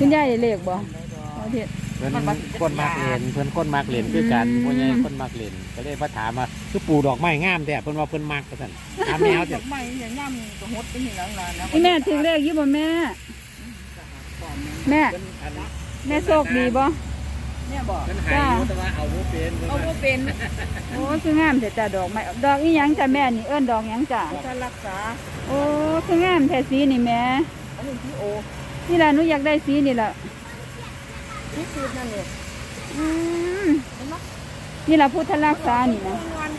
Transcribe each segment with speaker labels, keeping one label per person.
Speaker 1: คุณยายได้เลขบ่เอาเฮ็ด
Speaker 2: เพิ่นคนมักเล่นเพิ่นคนมักเล่นคือกันพ่อใหญ่คนมักเล่นก็เลยมาถามว่าคือปลูกดอกไม้งามแท้เพิ่นว่าเพิ่นมักว่าซั่นถามแนว
Speaker 3: ด
Speaker 2: จ้ะ
Speaker 3: อกไม้อย่างย่ำก็หดไปนี่หลังๆนะ
Speaker 1: อีแม่ถึงเลขอยู่บ่แม่แม่แม่โชคดีบ่
Speaker 3: เนี่ยบอก
Speaker 2: เพิ่นหายอยู่แต่ว่าเอาบ่เป็น
Speaker 3: เอาว่าเป็น
Speaker 1: โอ้คืองามแต่จ้ะดอกไม้ดอกอีหยังจ้ะแม่นี่เอิ้นดอกหยังจ้ะ
Speaker 3: ถ้ารักษา
Speaker 1: โอ้คืองามแท้สีนี่แม่
Speaker 3: อันนี้ที่โอ
Speaker 1: นี่ล่ะหนูอยากได้สีนี่ล่ะ
Speaker 3: ที่สุดนั่นเลย
Speaker 1: อืมนี่ล่ะพุทธรักษานี่นะ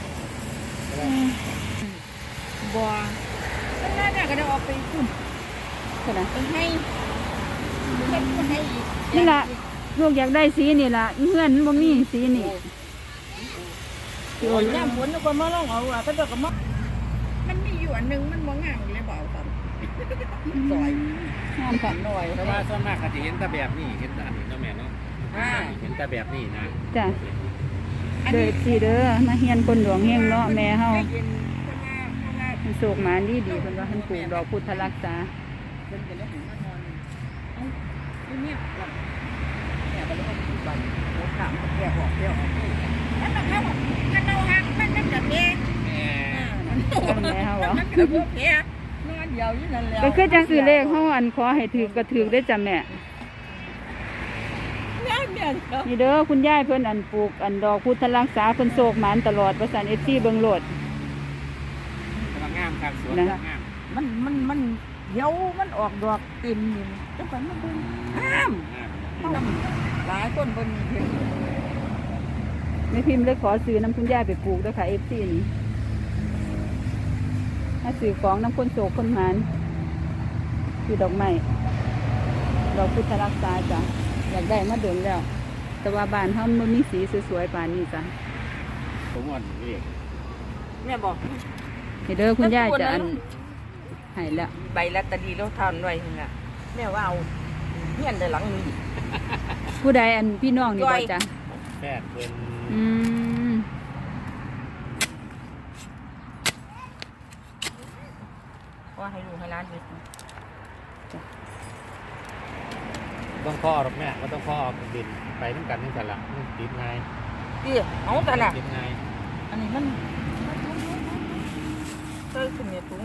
Speaker 3: บัวตั้งแต่เนี่ยก็ได้ออกไปขึ้น
Speaker 1: เท่านั้น
Speaker 3: ไปให้ให้อีก
Speaker 1: นี่ล่ะลูกอยากได้สีนี่ล่ะอีเฮือนมันบ่มีสีนี่
Speaker 3: โอ้ยย่ำฝนก็มาลองเอาอ่ะก็จะก็มามันมีอยู่อันนึงมันมองงามเลยบอกครับซอย
Speaker 1: งามค่ะ
Speaker 3: หน่อย
Speaker 2: แต่ว่าส่วนมากก็จะเห็นแต่แบบนี้เห็นแต่อันนี้เนาะแม่เนาะเห็นแต่แบบนี้นะ
Speaker 1: จ้ะเด้อสิเด้อมาเฮียนคนหลวงเฮงเนาะแม่เฮา
Speaker 3: เย็นข้างหน้า
Speaker 1: มันโศกหมานดีเพิ่นว่าเพิ่นปลูกดอกพุทธรักษา
Speaker 3: เป็นจะได้เห็นมานอนเอ้าเนี่ยเนี่ยก็เลยเอาไปบันโอ้ถามแก่บอกแก่ออกแล้วมันเขามันเอาหักมันนั่นแบบนี้
Speaker 2: แม่
Speaker 1: แม่เฮาเหรอ
Speaker 3: มันก็พวกแก่นอนเดียวอยู่นั่นแหละ
Speaker 1: ก็คือจังซื้อเลขเฮาอันขอให้ถูกก็ถูกได้อจ้ะแม่
Speaker 3: เนี่ย
Speaker 1: นี่เด้อคุณยายเพิ่นอันปลูกอันดอกพุทธรักษาเพิ่นโศกหมานตลอดประสาน FC เบิ่งโลด
Speaker 2: กำลังงามครับสวน
Speaker 1: นะ
Speaker 2: งาม
Speaker 3: มันเดี๋ยวมันออกดอกเต็มนี่จังไปมันเบิ่งห้าม
Speaker 2: งาม
Speaker 3: หลายคนเบิ่งเห็น
Speaker 1: แม่พิมพ์เลยขอซื้อน้ำคุณยายไปปลูกเด้อค่ะ FC นี่ถ้าซื้อของน้ำคนโศกคนหมานคือดอกไม้ดอกพุทธรักษาจ้ะอยากได้มาเดินแล้ว แต่ว่าบ้านเฮามันมีสีสวยๆปานนี้จ้ะ
Speaker 2: ผมอ่อนเรียก
Speaker 3: แม่บอก
Speaker 1: นี่เด้อคุณยายจะอันให้แล้ว
Speaker 3: ใบลอตเตอรี่เราทานไว้นี่น่ะแม่ว่าเอาเฮียนได้หลังนี้
Speaker 1: ผู้ใดอันพี่น้องนี่บ่จ้ะ
Speaker 2: แพทย์เป็น
Speaker 1: อืม
Speaker 3: ว่าให้ลูกให้ร้านไป
Speaker 2: ต้องพ่อหรอกแม่ก็ต้องพ่อออกดินไปน้ำกันนี่แต่ละมันติดไง
Speaker 3: ดิเอาแต่ละ
Speaker 2: ติดไง
Speaker 3: อันนี้มันเติมขึ้นเนี่ยถุง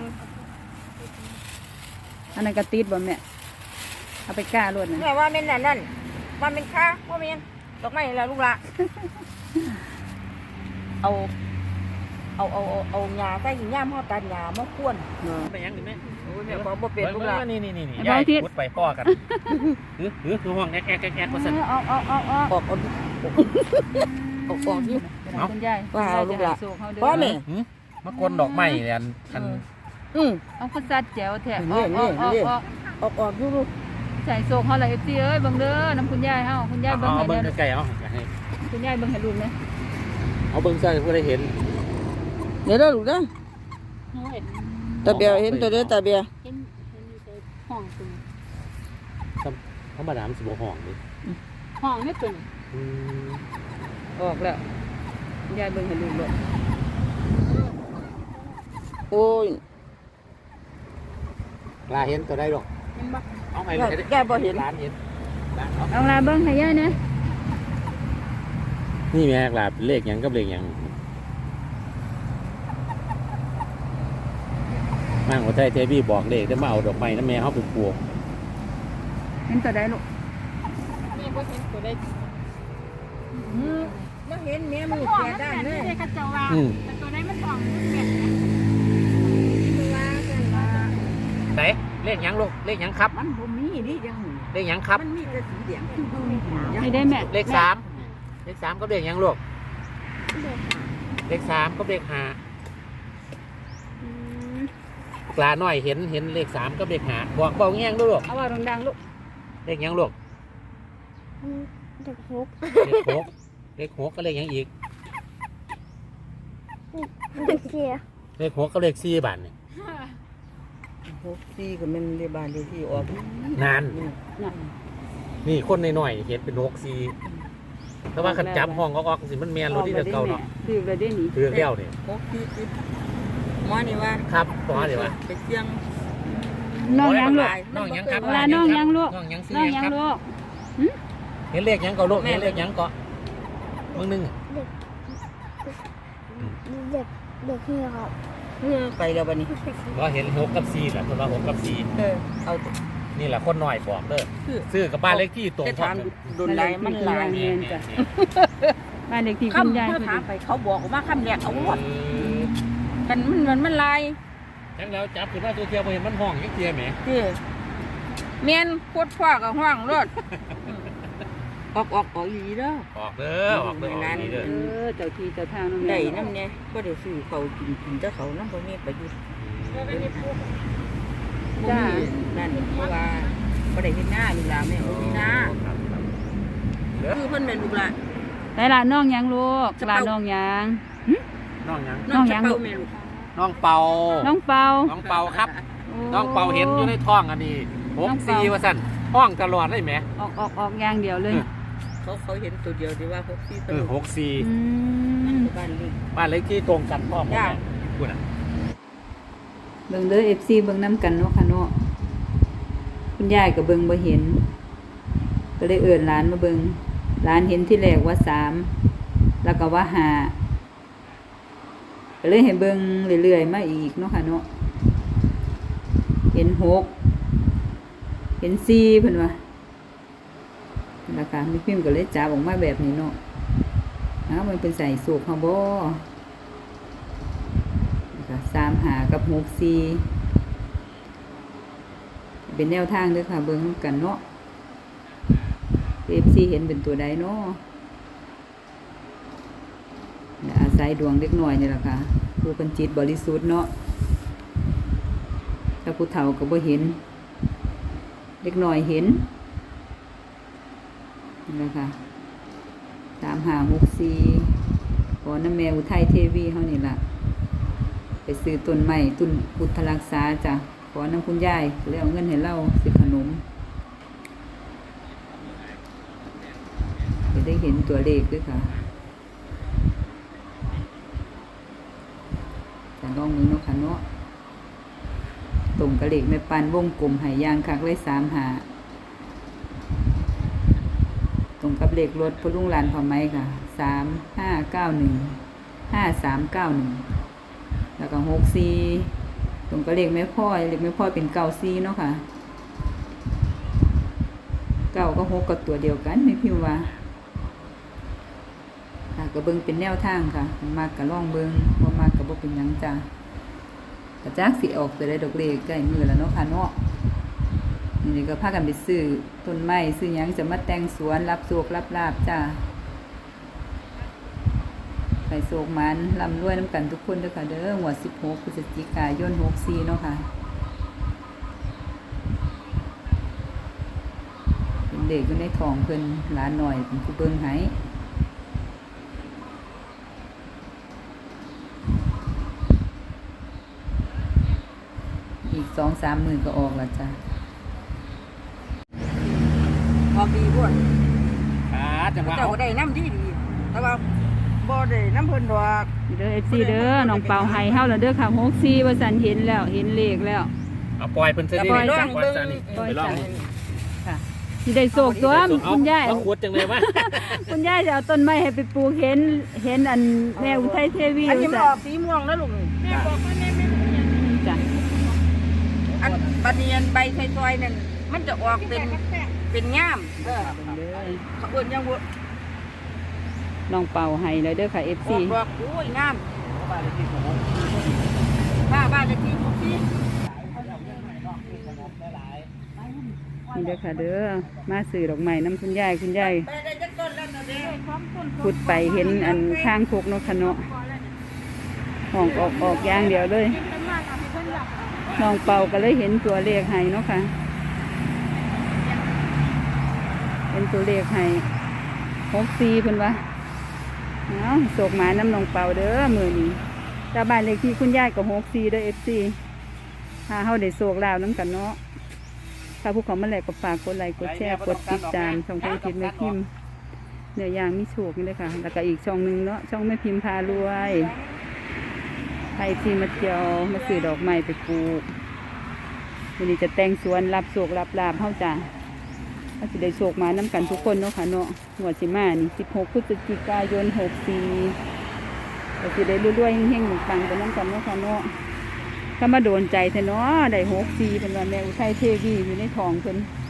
Speaker 1: อันนั้นก็ติดบ่แม่เอาไปก้ารถนะ
Speaker 3: แม่ว่าเป็นนั่นว่าเป็นค่าว่าเป็นดอกไม้ละลูกละเอาหญ้าใส่หญ้าห่อตัดหญ้ามาควน
Speaker 2: ไปยังดิแม่
Speaker 3: โอ้ยแม่บอกบ่เป็นลูกละ
Speaker 2: นี่ยายพุดไปพ่อกันคือห่วงแอ๊กว่าสั่น
Speaker 1: ออก
Speaker 3: ออกอยู่
Speaker 1: คุณยาย
Speaker 3: ว่าเอาลูกละ
Speaker 1: ว่า
Speaker 3: ว่าแม่
Speaker 2: มากวนดอกไม้เนี่ยอัน
Speaker 1: เอาข้าวสัดแจ๋วแท้
Speaker 3: นี่ออกอยู่ลูก
Speaker 1: ใส่โศกเฮาล่ะ FC เอ้ยเบิ่งเด้อน้ำคุณยายเฮาคุณยายเบิ่ง
Speaker 2: เอา
Speaker 1: ให้
Speaker 2: เบิ้ง
Speaker 1: เด้อ
Speaker 2: ไกลๆเอา
Speaker 1: คุณยายเบิ่งให้ลูกนะ
Speaker 2: เอาเบิ้งใส่ผู้ได้เห็น
Speaker 3: เดี๋ยวลูกนะตาเบียเห็นตัวเด้อตาเบีย
Speaker 1: เห็นห้องตึง
Speaker 2: ธรรมดามันสิบ่ห้องดิ
Speaker 1: ห้องนี่ตึงออกแล้วคุณยายเบิ่งให้ลูกเลย
Speaker 3: โอ้ย
Speaker 2: ลาเห็นตัวได้หรอกเอาไปร้านเห็นร้าน
Speaker 1: เอาล่ะเบิ่งให้ยายนะ
Speaker 2: นี่แม่ลาเลขยังกับเลขยังมั่งว่าไทยเทวีบอกเลขได้มาเอาดอกไม้น้ำแม่เขาไปปลูก
Speaker 1: เห็นตัวใดลูก
Speaker 3: แม่บ่เห็นตัวได้บ่เห็นแม่มือแก่ด้านเลย
Speaker 1: ตัวใดมันห้องแม่
Speaker 2: ไหนเลขยังลูกเลขยังครับ
Speaker 3: มันบ่มีดิจัง
Speaker 2: เลขยังครับ
Speaker 3: มันมีแต่สีแดงคือบ่มี
Speaker 1: ให้ได้แม่
Speaker 2: เลขสามก็เลขยังลูกเลข3ก็เลข5ปลาหน่อยเห็นเลข3ก็เลข5บอกเบาแง่งลูก
Speaker 1: เอาว่าดังๆลูก
Speaker 2: เลขยังลูก
Speaker 1: เด็กหก
Speaker 2: เลข6ก็เลขยังอีก
Speaker 1: เด็กเสีย
Speaker 2: เลข6ก็เลข4บาทนี่
Speaker 3: 64ก็มันได้บ้านเลขที่ออก
Speaker 2: นานนี่คนน้อยๆเห็นเป็น6 4แต่ว่าขันจับห้องออกสิมันแมนรถที่เก่าเนาะ
Speaker 1: ถือเลยได้หนี
Speaker 2: ถือแก้วนี่
Speaker 3: หมอนี่ว่า
Speaker 2: ครับต่อเดี๋ยวว่า
Speaker 3: ไปเสี่ยง
Speaker 1: น้องยังลูก
Speaker 2: น้องยังครับ
Speaker 1: เวลาน้องยังลูก
Speaker 2: น้องยังซื้อ
Speaker 1: น้อง
Speaker 2: ยั
Speaker 1: ยัง ง
Speaker 2: ครับ
Speaker 1: ลูก
Speaker 2: เห็นเลขยังก็ลูกเห็นเลขยังก็มึงนึง
Speaker 4: เด็กเด็กนี่ครับ
Speaker 3: ไปแล้วบัดนี้
Speaker 2: ว่าเห็น6กับ4แหละคนว่า6กับ
Speaker 3: เอา
Speaker 2: 4นี่แหละคนน้อยบอกเด้อ
Speaker 3: คือ
Speaker 2: ซื้อกับบ้านเลขที่ตรง
Speaker 3: จะ
Speaker 2: พร้อ
Speaker 3: ถาม
Speaker 2: ม
Speaker 3: โดนไล่มันหลาย
Speaker 1: เรียนจ้ะบ้านเด็กที่คุณ
Speaker 3: คำ
Speaker 1: ยาย
Speaker 3: เขา
Speaker 1: พอ
Speaker 3: ถา
Speaker 1: ดี
Speaker 3: มไปเขาบอกว่าคำแรกเอาหมดกันมันลาย
Speaker 2: จังแล้วจับขึ้นมาตัวเทียวบ่เห็นมันห้องยังเทียแหม
Speaker 3: ที่เมียนโคตรพ่อกับห้องรถออกอีเด้อ
Speaker 2: ออกเด้อออกเด้อออกนี่เด้อ
Speaker 1: เจ้าที่เจ้าทางน้อง
Speaker 3: ได้
Speaker 1: แม่
Speaker 3: น้ำเนี่ยก็ได้ซื้อเขากินเจ้าเขาน้ำบ่มีประโยชน์บ่มีนั่นเพราะว่าบ่ได้เฮ็ดหน้าลูกหลานแม่บ่มีหน้าคือเพิ่นเป็นลูกหลาน
Speaker 1: ได้ละน้องยังลูกลาน้องยัง
Speaker 2: น้องยัง
Speaker 1: น้องยัง
Speaker 3: จะเป่าแม่ลูก
Speaker 2: น้องเป่า
Speaker 1: น้องเปา
Speaker 2: น้องเป่าครับ น้องเป่าเห็นอยู่ในท้องอันนี้64ว่าซั่นห้องตลอดเลยแหม
Speaker 1: ออกอย่างเดียวเลย
Speaker 3: เขาเห็นตัวเดียวดีว่าเขาที่ตลก
Speaker 2: 64
Speaker 3: บ้านนี้
Speaker 2: บ้านเลขที่ตรงกันพร้อม
Speaker 3: จ้า
Speaker 2: พูดน่ะ
Speaker 1: เบิ่งเด้อ FC เบิ่งน้ำกันเนาะค่ะเนาะคุณยายก็เบิ่งบ่เห็น ก็เลยเอิ้นหลานมาเบิ่งหลานเห็นที่แรกว่า3แล้วก็ว่า5ก็เลยให้เบิ่งเรื่อยๆมาอีกเนาะค่ะเนาะเห็น6เห็น4เพิ่นว่าแล้วก็มีพิมพ์ก็เลยจับออกมาแบบนี้เนาะมันเป็นใส่สูกเฮาบ่35กับ64เป็นแนวทางเด้อค่ะเบิ่งกันเนาะ FC เห็นเป็นตัวใดเนาะอาศัยดวงเล็กน้อยนี่แหละค่ะผู้เป็นจิตบริสุทธิ์เนาะถ้าผู้เฒ่าก็บ่เห็นเล็กน้อยเห็นนี่แหละค่ะ3564ขอน้ำแม่อุทัยเทวีเฮานี่ล่ะไปซื้อต้นไม้ต้นพุทธรักษาจ้ะขอน้ำคุณยายแล้วเอาเงินให้เราซื้อขนมจะได้เห็นตัวเลขด้วยค่ะจะลองมือเนาะค่ะเนาะตรงกระเลขแม่ปันวงกลมหายยางคักเลย3 หาตรงกับเลขรถพลุงลานพอไหมค่ะ3591 5391แล้วก็64ตรงกับเลขแม่พ่อยเลขแม่พ่อยเป็น94เนาะค่ะ9ก็6ก็ตัวเดียวกันไม่พิมพ์ว่าค่ะก็เบิ่งเป็นแนวทางค่ะมากก็ลองเบิ่งบ่มากก็บ่เป็นหยังจ้ะกระจักสิออกจะได้ดอกเลขใกล้มือแล้วเนาะค่ะเนาะนี่ก็พากันไปซื้อต้นไม้ซื้อหยังจะมาแต่งสวนรับโชครับลาภจ้าไปโศกมันร่ำรวยน้ำกันทุกคนเด้อค่ะเด้อหัว16 พฤศจิกายน 64เนาะค่ะเป็นเด็กอยู่ในท้องเพิ่นหลานหน่อยเป็นผู้เบิ่งให้อีก 2-3 มื้อก็ออกแล้วจ้ะ
Speaker 3: ออกดีพวก
Speaker 2: จังหวะ
Speaker 3: เจ้าได้น้ำดีแต่ว่าบ่ได้น้ำเพิ่นดอก
Speaker 1: เด้อ FC เด้อน้องเปาให้เฮาแล้วเด้อค่ะ64ว่าซั่นเห็นแล้วเห็นเลขแล้ว
Speaker 2: เอาปล่อยเพิ่นซะดิ
Speaker 1: ปล่อย
Speaker 2: ปล่อยซะนี่ไปลอง
Speaker 1: ค่ะสิได้โศกตัวคุณยาย
Speaker 2: เอาขวดจังเลยวะ
Speaker 1: คุณยายจะเอาต้นไม้ให้ไปปลูกเห็นอันแม่อุทัยเทวี
Speaker 3: อันนี้
Speaker 1: ว่า
Speaker 3: มัน
Speaker 1: ซั่
Speaker 3: ออกสีม่วงแล้วลูก
Speaker 1: จ้ะ
Speaker 3: อันบัดนี้อันใบซอยๆนั่นมันจะออกเป็นง่ามเขาเอิ้นยังบ่
Speaker 1: น้องเป่าให้เลยเด้อค่ะ
Speaker 3: อ
Speaker 1: FC
Speaker 3: อกดอกโอ้ยงามบ้านเลขที่ของพี่
Speaker 1: นี่เด้อค่ะเด้อมาซื้อดอกไม้น้ำคุณยาย
Speaker 3: ไปได้จักต้นแล้วนะเด้
Speaker 1: ขุดไปเห็นอันข้างคกเนาะค่ะเนาะห้องออกอย่างเดียวเลยน้องเป่าก็เลยเห็นตัวเลขให้เนาะค่ะเห็นตัวเลขให้64เพิ่นว่าเอาโศกหมาน้ำน้องเป่าเด้อมื้อนี้ชาวบ้านเลขที่คุณยายก็64เด้อ FC ถ้าเฮาได้โศกลาวนํกันเนาะถ้าผู้เขามาแลกก็ฝากกดไลค์กดแชร์กดติดตามช่องเพจทิศแม่พิมพ์เนื้อย่างมีโชคนี่เลยค่ะแล้วก็อีกช่องนึงเนาะช่องแม่พิมพ์พารวยใครที่มาเที่ยวมาซื้อดอกไม้ไปปลูกวันนี้จะแต่งสวนรับโศกรับลาบเฮาจ้าถ้าสิได้โศกมาน้ำกันทุกคนเนาะค่ะเนาะหัวดสิมานี่16 พฤศจิกายน 64ก็สิได้รวยๆเฮงๆปังๆไปน้ำกันเนาะค่ะเนาะถ้ามาโดนใจแท้เนาะได้64เป็นว่าแม่อุทัยเทวีอยู่ในท้องเพิ่น